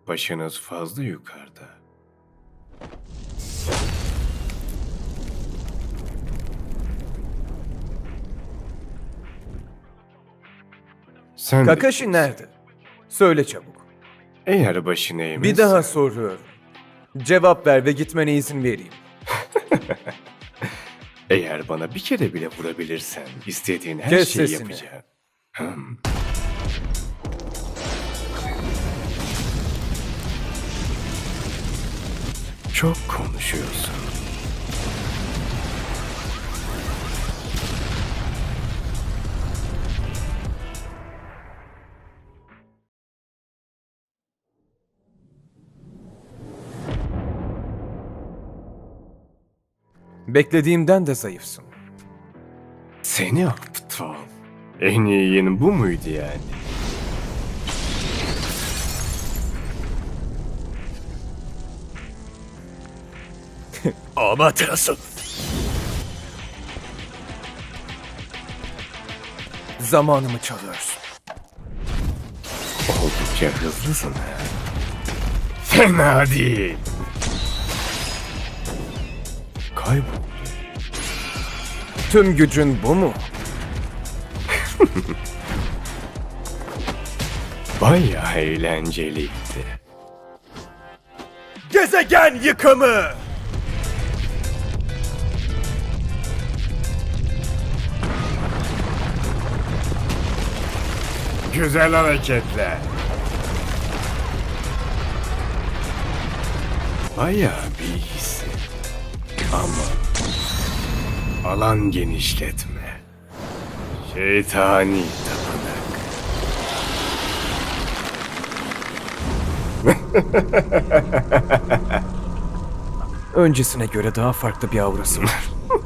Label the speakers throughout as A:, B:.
A: Başınız fazla yukarıda. Sen de
B: Kakashi
A: kimsin?
B: nerede? Söyle çabuk.
A: Eğer başını eğmezsen...
B: Bir daha soruyorum. Cevap ver ve gitmene izin vereyim.
A: Eğer bana bir kere bile vurabilirsen istediğin her
B: Kes
A: şeyi
B: sesini.
A: yapacağım. Çok konuşuyorsun.
B: Beklediğimden de zayıfsın.
A: Seni aptal. En iyin bu muydu yani?
B: Amaterasu. Zamanımı çalıyorsun.
A: Oldukça hızlısın ha. Fena değil. Kaybol.
B: Tüm gücün bu mu?
A: Bayağı eğlenceliydi.
B: Gezegen yıkımı!
A: Güzel hareketler. Bayağı bir hissi. Ama alan genişletme. Şeytani tapınak.
B: Öncesine göre daha farklı bir aurası var.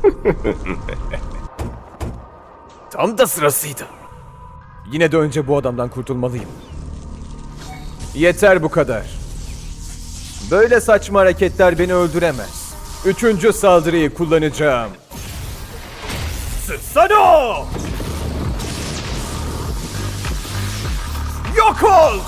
B: Tam da sırasıydı. Yine de önce bu adamdan kurtulmalıyım. Yeter bu kadar. Böyle saçma hareketler beni öldüremez. Üçüncü saldırıyı kullanacağım. Susanoo! Yok ol!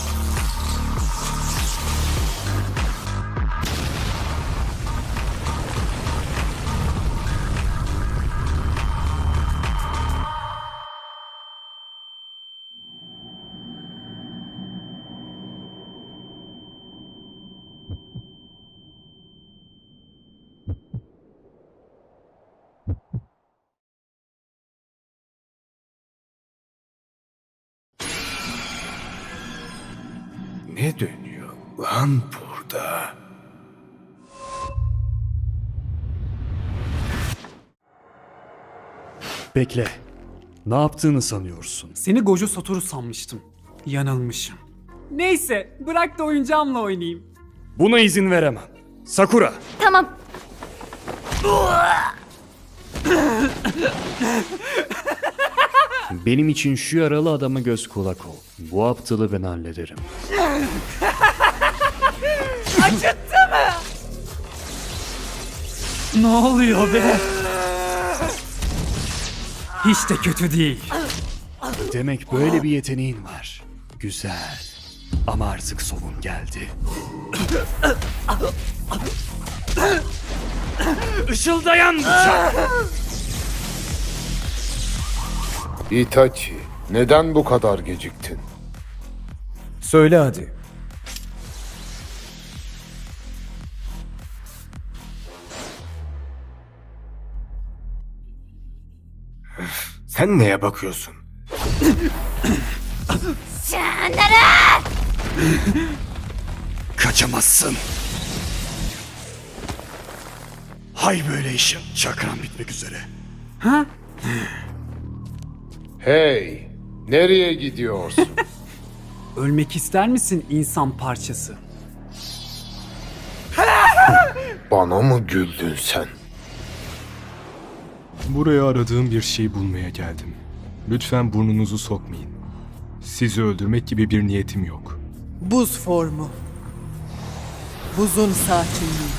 A: Ne dönüyor lan burada?
C: Bekle. Ne yaptığını sanıyorsun?
D: Seni Gojo Satoru sanmıştım. Yanılmışım. Neyse, bırak da oyuncağımla oynayayım.
C: Buna izin veremem. Sakura!
E: Tamam.
C: Benim için şu yaralı adama göz kulak ol. Bu aptalı ben hallederim.
D: Ne oluyor be? Hiç de kötü değil.
C: Demek böyle bir yeteneğin var. Güzel. Ama artık sonun geldi. Işıldayan bıçak!
F: Itachi, neden bu kadar geciktin?
B: Söyle hadi.
A: Sen neye bakıyorsun?
C: Kaçamazsın. Hay böyle işim. Çakran bitmek üzere.
F: Hey, nereye gidiyorsun?
D: Ölmek ister misin insan parçası?
F: Bana mı güldün sen?
G: Buraya aradığım bir şey bulmaya geldim. Lütfen burnunuzu sokmayın. Sizi öldürmek gibi bir niyetim yok.
H: Buz formu. Buzun sakinliği.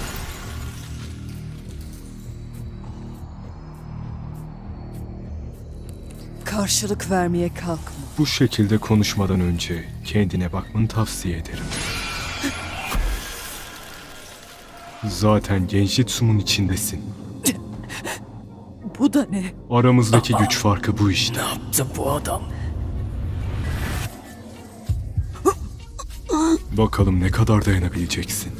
H: Karşılık vermeye kalkma.
G: Bu şekilde konuşmadan önce kendine bakmanı tavsiye ederim. Zaten Genjitsu'nun içindesin.
H: Bu da ne?
G: Aramızdaki güç farkı bu işte.
B: Yaptı bu adam.
G: Bakalım ne kadar dayanabileceksin.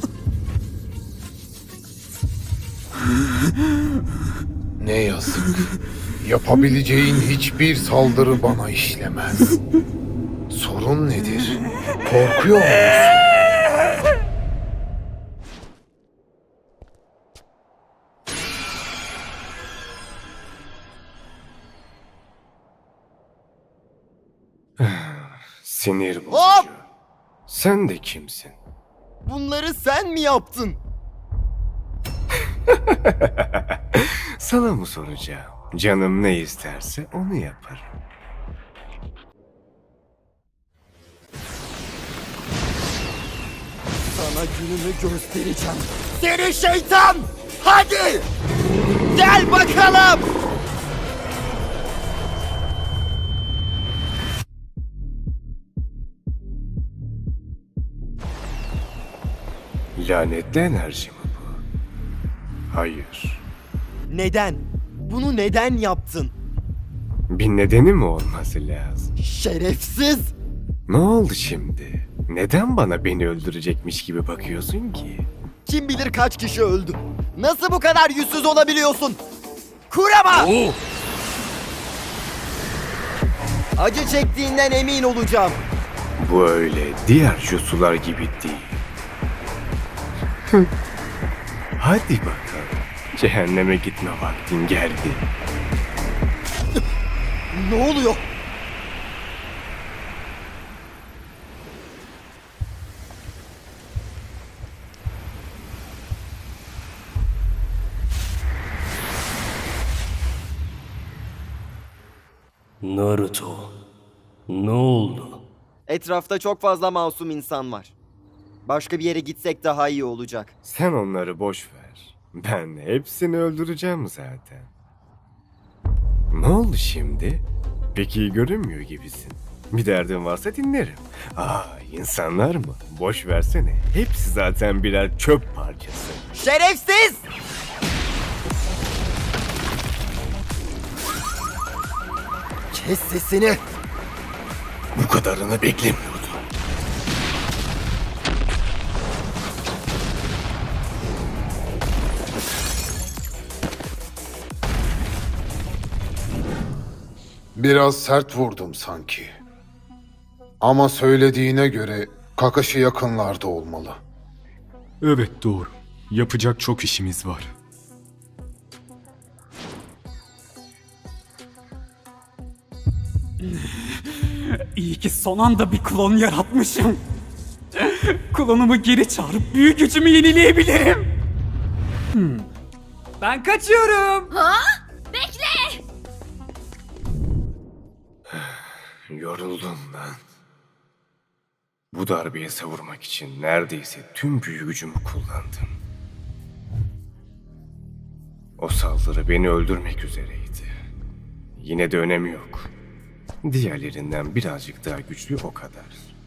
F: Ne yazık. Yapabileceğin hiçbir saldırı bana işlemez. Sorun nedir? Korkuyor musun?
A: Sinir bozucu.
E: Hop!
A: Sen de kimsin?
E: Bunları sen mi yaptın?
A: Sana mı soracağım? Canım ne isterse onu yaparım.
E: Sana gününü göstereceğim. Seni şeytan! Hadi! Gel bakalım!
A: Lanetli enerji mi bu? Hayır.
E: Neden? Bunu neden yaptın?
A: Bir nedeni mi olması lazım?
E: Şerefsiz!
A: Ne oldu şimdi? Neden beni öldürecekmiş gibi bakıyorsun ki?
E: Kim bilir kaç kişi öldü? Nasıl bu kadar yüzsüz olabiliyorsun? Kurama! Acı çektiğinden emin olacağım.
A: Bu öyle diğer jutsular gibi değil. Hadi bakalım. Cehenneme gitme vaktin geldi.
E: Ne oluyor?
I: Naruto, ne oldu?
E: Etrafta çok fazla masum insan var. Başka bir yere gitsek daha iyi olacak.
A: Sen onları boş ver. Ben hepsini öldüreceğim zaten. Ne oldu şimdi? Pek iyi görünmüyor gibisin. Bir derdin varsa dinlerim. İnsanlar mı? Boş versene. Hepsi zaten birer çöp parçası.
E: Şerefsiz! Kes sesini!
A: Bu kadarını beklemiyordum.
F: Biraz sert vurdum sanki. Ama söylediğine göre Kakashi yakınlarda olmalı.
G: Evet doğru. Yapacak çok işimiz var.
D: İyi ki son anda bir klon yaratmışım. Klonumu geri çağırıp büyük gücümü yenileyebilirim. Ben kaçıyorum.
A: Yoruldum lan. Bu darbeyi savurmak için neredeyse tüm büyü gücümü kullandım. O saldırı beni öldürmek üzereydi. Yine de önemi yok. Diğerlerinden birazcık daha güçlü o kadar.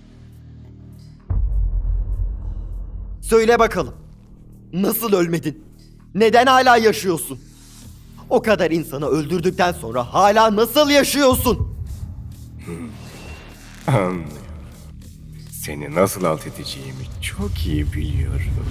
E: Söyle bakalım. Nasıl ölmedin? Neden hala yaşıyorsun? O kadar insanı öldürdükten sonra hala nasıl yaşıyorsun?
A: Anlıyorum. Seni nasıl alt edeceğimi çok iyi biliyorum.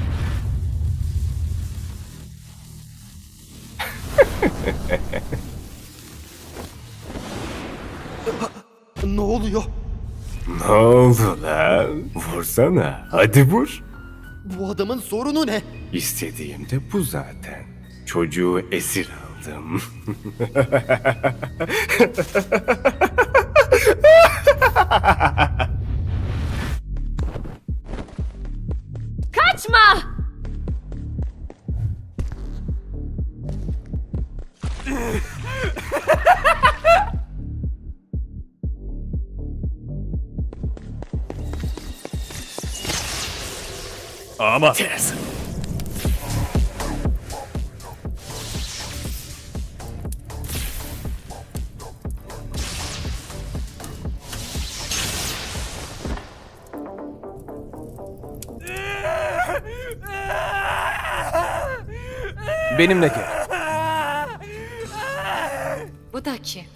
E: Ne oluyor?
A: Ne oldu lan? Vursana. Hadi vur.
E: Bu adamın sorunu ne?
A: İstediğim de bu zaten. Çocuğu esir aldım.
J: Kaçma!
B: Ama Benimle gel.
J: Bu da kim?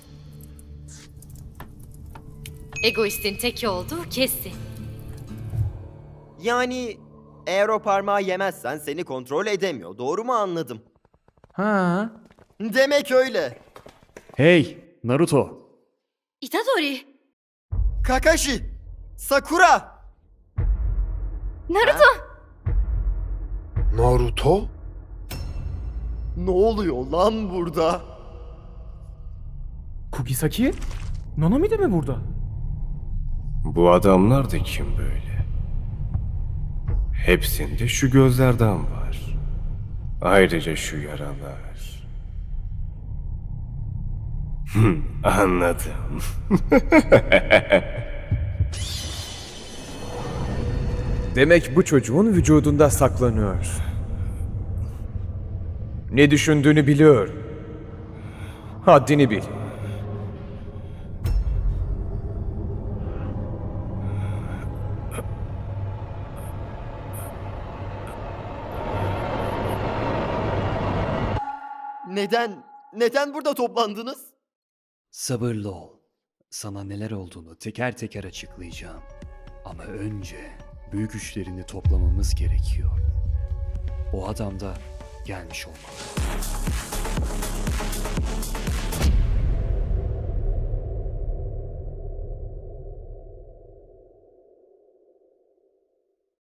J: Egoistin teki olduğu kesin.
E: Yani eğer o parmağı yemezsen seni kontrol edemiyor. Doğru mu anladım?
C: Ha.
E: Demek öyle.
C: Hey Naruto.
J: Itadori!
E: Kakashi! Sakura!
J: Naruto!
F: Naruto?
E: Ne oluyor lan burada?
B: Kugisaki? Nanami de mi burada?
A: Bu adamlar da kim böyle? Hepsinde şu gözlerden var. Ayrıca şu yaralar. Anladım.
B: Demek bu çocuğun vücudunda saklanıyor. Ne düşündüğünü biliyor. Haddini bil.
E: Neden burada toplandınız?
C: Sabırlı ol. Sana neler olduğunu teker teker açıklayacağım. Ama önce büyük güçlerini toplamamız gerekiyor. O adam da gelmiş olmalı.